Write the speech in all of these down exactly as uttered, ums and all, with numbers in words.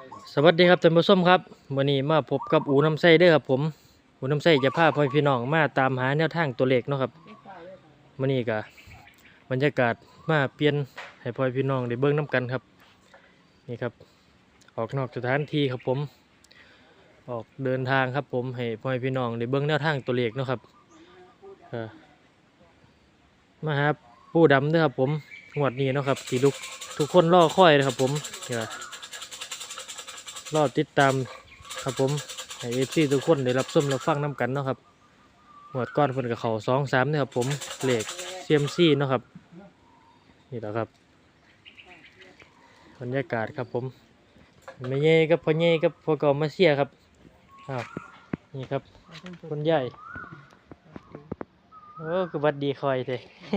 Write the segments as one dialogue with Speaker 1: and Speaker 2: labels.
Speaker 1: สวัสดีครับท่านผู้ชมครับวันนี้มาพบกับอูน้ำไส้เด้อครับผมอูน้ำไส้จะพาพ่อพี่น้องมาตามหาแนวทางตัวเลขเนาะครับวันนี้ก็บรรยากาศมาเปลี่ยนให้พ่อพี่น้องได้เบิ่งน้ำกันครับนี่ครับออกนอกสถานที่ครับผมออกเดินทางครับผมให้พ่อพี่น้องได้เบิ่งแนวทางตัวเลขเนาะครับเอ่อมาหาปู่ดำเด้อครับผมงวดนี้เนาะครับที่ทุกทุกคนรอคอยนะครับผมนี่ล่ะรอติดตามครับผมให้เอฟซีทุกคนได้รับชมรับฟังน้ำกันเนาะครับหมวดก้อนเพิ่นกับเขาสองสามเนี่ยครับผมเลขเซียมซีเนาะครับนี่แหละครับบรรยากาศครับผมไม่เย่กับพ่อเย่กับพ่อเก่ามาเชียครับอ้าวนี่ครับคนใหญ่โอ้คือวัดดีคอยเถอะ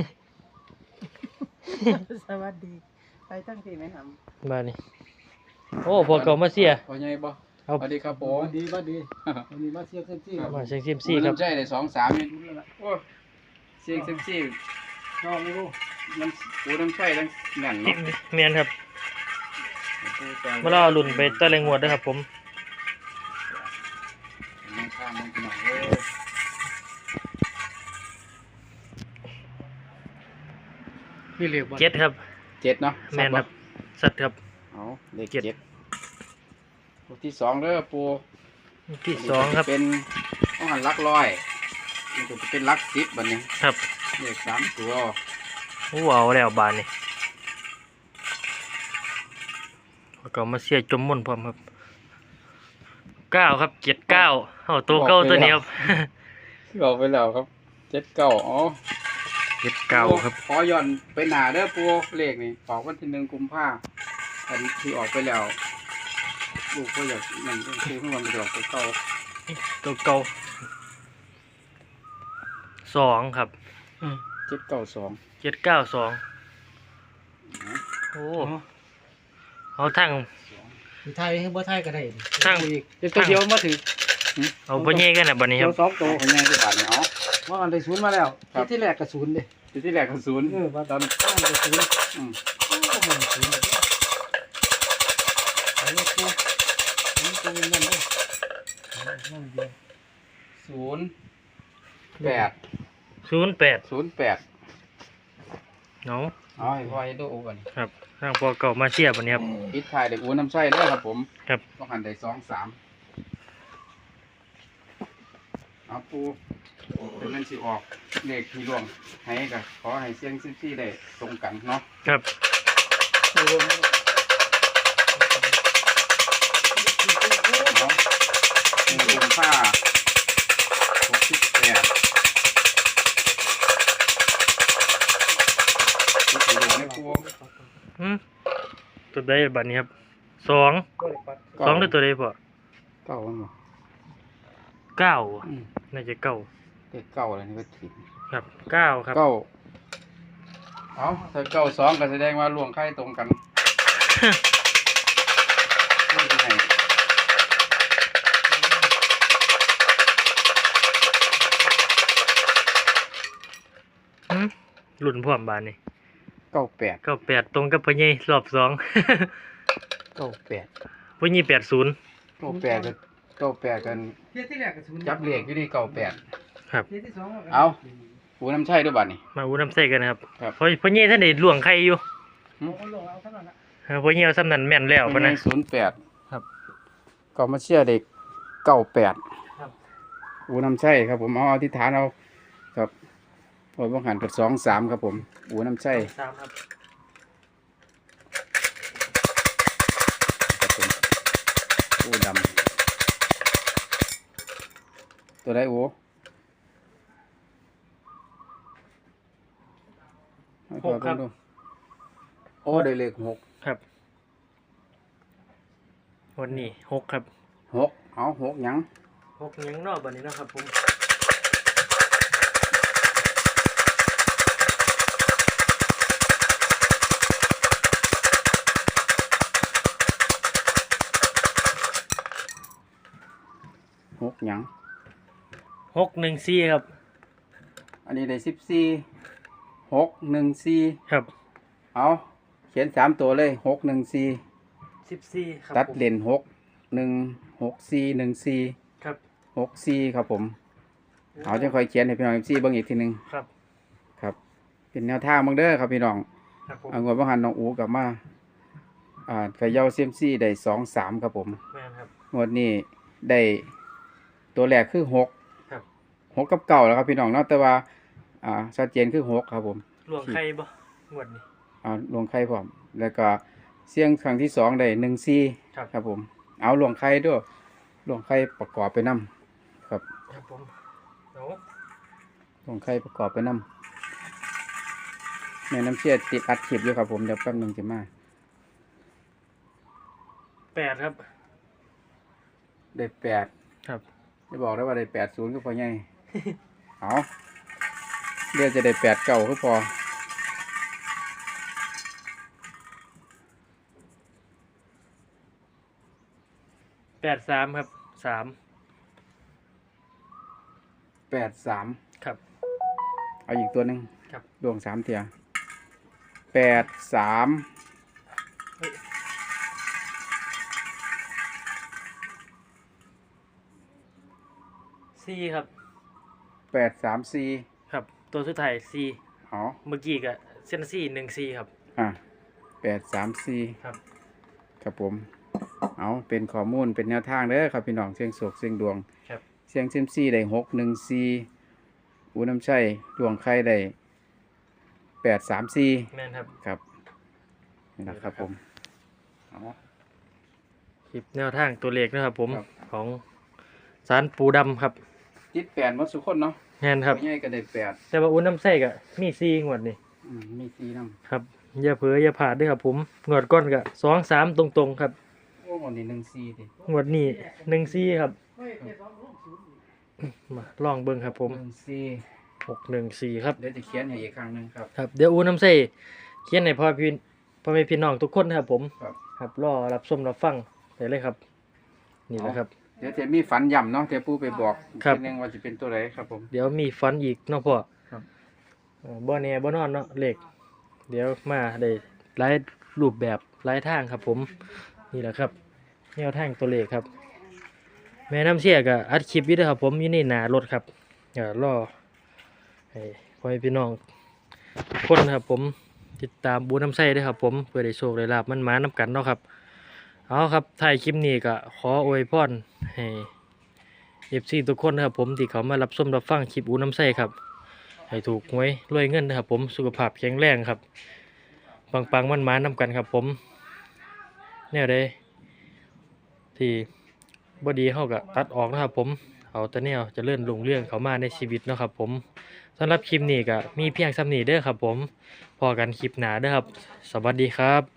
Speaker 2: สวัสดีไปตั้งที่ไหมครับ
Speaker 1: มานี่โอ้พ่อเก่ามาเชีย
Speaker 3: พอใหญ่บ่
Speaker 1: เอา
Speaker 3: สวัสดีครับผ
Speaker 2: ส
Speaker 3: ม
Speaker 2: วัสดีสวัสดีวันนี้มาเชียร์เซมซี่ครับ
Speaker 1: มาเชียงเซียมซีครับ
Speaker 3: น้ำใจได้สองสามนี่โอ้เสียงเซมซี่
Speaker 2: น้องลูก
Speaker 3: น้ำปูน้ำใจทั้งนั่นเนาะ
Speaker 1: เมียนครับมาล่อลุ่นไปตะเลงวดด้วยครับผม
Speaker 3: น้ำข้ามมันหน่อยเว้ย
Speaker 2: พี่เรียกว่า
Speaker 1: เจ็ดครับ
Speaker 3: เจ็ดเนาะ
Speaker 1: แมนครับสัตว์ครับ
Speaker 3: เอาเลข
Speaker 1: เจ็ด
Speaker 3: เจ็ดตัวที่สองเด้อปู
Speaker 1: ที่สองครับ
Speaker 3: เป็นต้องหันลักร้อยมันจะเป็นลักสิบบัดนี้
Speaker 1: ครับ
Speaker 3: เลขสามตัว
Speaker 1: อู้เอาแล้วบานนี่แล้วก็มาเสียจมม่นพร้อมครับเก้าครับเจ็ดเก้าเอาตัวเก้าตัวนี้ครับ
Speaker 3: บอกไปแล้วครับเจ็ดเก้าอ๋อ
Speaker 1: เจ็ดเก้าครับ
Speaker 3: ขอย้อนไปหนาเด้อปูเลขนี่ออกวันที่หนึ่งกุมภาอันที่ออกไปแล้วลูกก็อยากนั่นคือเพิ่งวันไปออกไปเก้า
Speaker 1: ตัวเก้าสองครับ
Speaker 3: เจ็ดเก้าสอง
Speaker 1: เจ็ดเก้าสองโอ้เอาทั้ง
Speaker 2: อยู่ไทยให้บ่ไทยก็ได้
Speaker 1: ทั้ง
Speaker 2: อีกเดี๋ยวตัวเดียวมาถึง
Speaker 1: เอาพ่อเย่กันนะบัดนี้ค
Speaker 2: เดี
Speaker 1: รั
Speaker 2: ยว
Speaker 1: บ
Speaker 2: สองตัว
Speaker 3: เป็นไงที่บาทเนี่ยอ๋อ
Speaker 2: ว่ากันได้ศูนย์มาแล้ว
Speaker 3: ครับ
Speaker 2: ที่แรกก็ศูนย์เด้
Speaker 3: ที่ที่แรกคือศูนย์
Speaker 2: เออว่าตอนข้างก็ศูนย์
Speaker 3: อืม
Speaker 2: โอ้โหมันศูนย์แบบนี้อันนี้ตัวอันนี้ตัวเงินนั่นเด้นั่นเดียว
Speaker 3: ศูนย์แปด
Speaker 1: ศูนย์แปด
Speaker 3: ศูนย์แปด
Speaker 1: เนาะ
Speaker 3: เอาให้พ่อให้ดูกัน
Speaker 1: ครับทางพอเก่ามาเชียบัดนี้ครับ
Speaker 3: ปิดท้ายเด็กอูน้ำไส้เด้อครับผม
Speaker 1: ครับ
Speaker 3: ต้องหันได้สองสามเอาปูเป็นเงินสิออกเลขที่ร่วงให้กับขอให้เสียงซิซี่ได้ตรงกันเนาะ
Speaker 1: ครับ
Speaker 2: ตัวรวม
Speaker 3: เนาะหนึ่งกุมภาหกสิบแปดที่ถึงในปู
Speaker 1: อืมตัวใดบัดนี้ครับสอง
Speaker 2: ก็เลยปัด
Speaker 1: สองหรือตัวใดพอ
Speaker 3: เก้ามันบ่
Speaker 1: เก้า
Speaker 3: อืม
Speaker 1: น่าจะเก้า
Speaker 3: เลขเก้าอะไรนี่ก็ผิด
Speaker 1: ครับเก้าครับ
Speaker 3: เก้าเอาถ้าเก้าสองก็แสดงว่าล่วงไข่ตรงกันไม่เป็นไร
Speaker 1: อืมหลุนพร้อมบานนี่
Speaker 3: เก้าแปด
Speaker 1: เก้าแปดตรงกับพญรอบสอง
Speaker 3: เก้าแปด
Speaker 1: พญแปดศูนย์
Speaker 3: เก้าแปดกันเก้าแปดกัน
Speaker 2: เที่ยที่แรกก็ศูนย์
Speaker 3: จับเลขอยู่ที่เก้าแปด
Speaker 1: ครับ
Speaker 2: เที่ยที่สองก็
Speaker 3: เอา ปูน้ำใช่ด้วยบัดนี่
Speaker 1: มาอูน้ำใส่กันนะครับ
Speaker 3: ครับ
Speaker 1: พพญท่านได้ล่วงไข่อยู่
Speaker 2: เอาคนลงเอาเท่านั้นละ
Speaker 1: เออพญเอาซ้ำนั้นแม่นแล้วปะนะ
Speaker 3: ศูนย์แปด
Speaker 1: ครับ
Speaker 3: ก็มาเชื่อเด็กเก้าแปด
Speaker 1: ครับ
Speaker 3: ปูน้ำใช่ครับผมเอาอธิษฐานเอาครับพอบังหันกับสองสามครับผมปูน้ำใช่
Speaker 1: สามครับ
Speaker 3: ครับผมปูดำตัวได้โอ้ให้พ่อเบิ่งดูโอ้ได้เลขหก
Speaker 1: ครับวันนี้หกครับ
Speaker 3: หกเอาหกหยัง
Speaker 1: หกยังนอกบันนี้นะครับผม
Speaker 3: หกหยัง
Speaker 1: หกหนึ่งสี่ครับ
Speaker 3: อันนี้ได้สิบสี่หกหนึ่งสี่
Speaker 1: ครับ
Speaker 3: เอาเขียนสามตัวเลยหกหนึ่งสี่
Speaker 1: สิบสี่ครับ
Speaker 3: ตัด
Speaker 1: ผม
Speaker 3: เลนหกหนึ่งหกสี่หนึ่งสี่
Speaker 1: ครับ
Speaker 3: หกสี่ครับผมเอาจังค่อยเขียนให้พี่น้องเอฟซีเบิ่งอีกทีหนึง
Speaker 1: ครับ
Speaker 3: ครับ เป็นแนวทางเบิ่งเด้อครับพี่น้อง
Speaker 1: ครับผม
Speaker 3: เอางวดบ่หันน้องอูกลับมาอ่าเขย่าเซียมซีได้สองสามครับผม
Speaker 1: แม่นครับ
Speaker 3: งวดนี้ได้ตัวแรกคือหก
Speaker 1: ครับ
Speaker 3: หกกับเก้าแล้วครับพี่น้องเนาะแต่ว่าอ่าชัดเจนคือหกครับผม
Speaker 1: หลวงใครบ่งวดนี้
Speaker 3: เอาลงไข่พร้อมแล้วก็เสียงครั้งที่สองได้หนึ่งสี่
Speaker 1: ครับ
Speaker 3: ครับผมเอาลงไข่ด้วยลงไข่ประกอบไปนํครับ
Speaker 1: ครับผมเอา
Speaker 3: ลงไข่ประกอบไปนํแม่น้ำเชี่ยติดอัดคลิปอยู่ครับผมเดี๋ยวแป๊บหนึงจะมา
Speaker 1: แปดครับ
Speaker 3: ได้แปด
Speaker 1: ครับ
Speaker 3: จะบอกได้ว่าได้แปดศูนย์ก็พอไง เอาเรียกจะได้แปดเก้าก็พอ
Speaker 1: แปดสามครับสาม
Speaker 3: แปดสาม
Speaker 1: ครับ
Speaker 3: เอาอีกตัวหนึ่ง
Speaker 1: ครับ
Speaker 3: ดวงสามเทียแปดสาม
Speaker 1: สี่ครับ
Speaker 3: แปดสามสี่
Speaker 1: ครับ ตัวสุดท้ายสี่
Speaker 3: เอา
Speaker 1: เมื่อกี้ก็เส้นสี่หนึ่งสี่ครับ
Speaker 3: อ่ะแปดสามสี่
Speaker 1: ครับ
Speaker 3: ครับผม เอาเป็นข้อมูลเป็นแนวทางเด้อครับพี่น้องเสียงโศกเสียงดวง
Speaker 1: ครับ
Speaker 3: เสียงเซยมซีได้หกหนึ่งสี่อูน้ำชัยดวงไข่ได้แปดสามสี่
Speaker 1: แม่นครับ
Speaker 3: ครับนี่นะครับผมเอา
Speaker 1: คลิปแนวทางตัวเลขนะครับผม
Speaker 3: ครับ
Speaker 1: ของสารปูดำครับ
Speaker 3: ติดแปดหมดสุกคนเนาะ
Speaker 1: แม่นครับ
Speaker 3: พ่อใหญ่ก็ได้แปด
Speaker 1: แต่ว่าอุ้นน้ำไส้ก็มีสี่งวดนี่
Speaker 3: อืมมีสี่น้
Speaker 1: ครับอย่าเผลออย่าพลาดด้วยครับผมงวดก้อนก็สองสามตรงๆครับ
Speaker 3: ำโอ้หมดนี่หนึ่งสี่ดิ
Speaker 1: งวดนี้หนึ่งสี่ครับมาลองเบิ่งครับผม
Speaker 3: หนึ่งสี่
Speaker 1: หกหนึ่งสี่ครับ
Speaker 3: เดี๋ยวจะเขียนให้อีกครั้งหนึ่งครับ
Speaker 1: ครับเดี๋ยวอูน้ำไส้เขียนให้พ่อพี่พ่อแม่พี่น้องทุกคนนะครับผม
Speaker 3: ครับ
Speaker 1: ครับรอรับชมรับฟังได้เลยครับ นี่แหละครับ
Speaker 3: เดี๋ยวจะมีฝันย่ำเนาะเดี๋ยวปู่ไปบอก
Speaker 1: ครับ
Speaker 3: ทีนึงว่าจะเป็นตัวไหนครับผม
Speaker 1: เดี๋ยวมีฟันอีกเนาะพ่อ
Speaker 3: ครับ
Speaker 1: เอ่อบ่แน่บ่นอนเนาะเลขเดี๋ยวมาได้หลายรูปแบบหลายทางครับผมนี่แหละครับแนวทางตัวเลขครับ แม่น้ำเชี่ยก็อัดคลิปอยู่เด้วยครับผมอยู่ในหน้ารถครับเดี๋ยวรอให้พ่อแม่พี่น้องทุกคนนะครับผมติดตามบูน้ำไส้ด้วยครับผมเพื่อได้โชคได้ลาบมันมาน้ำกันเนาะครับเอาครับถ่ายคลิปนี้ก็ขออวยพรให้เอฟซีทุกคนนะครับผมที่เขามารับชมรับฟังคลิปอูน้ำไส้ครับให้ถูกหวยรวยเงินนะครับผมสุขภาพแข็งแรงครับปังปังมันมาน้ำกันครับผมแนวใดที่บดีเขาก็ตัดออกนะครับผมเอาแต่แนวเจะเลื่อนลงเรื่องเขามาในชีวิตเนาะครับผมสำหรับคลิปนี้ก็มีเพียงซ้ำนี้เด้อครับผมพอกันคลิปหน้าเด้อครับสวัสดีครับ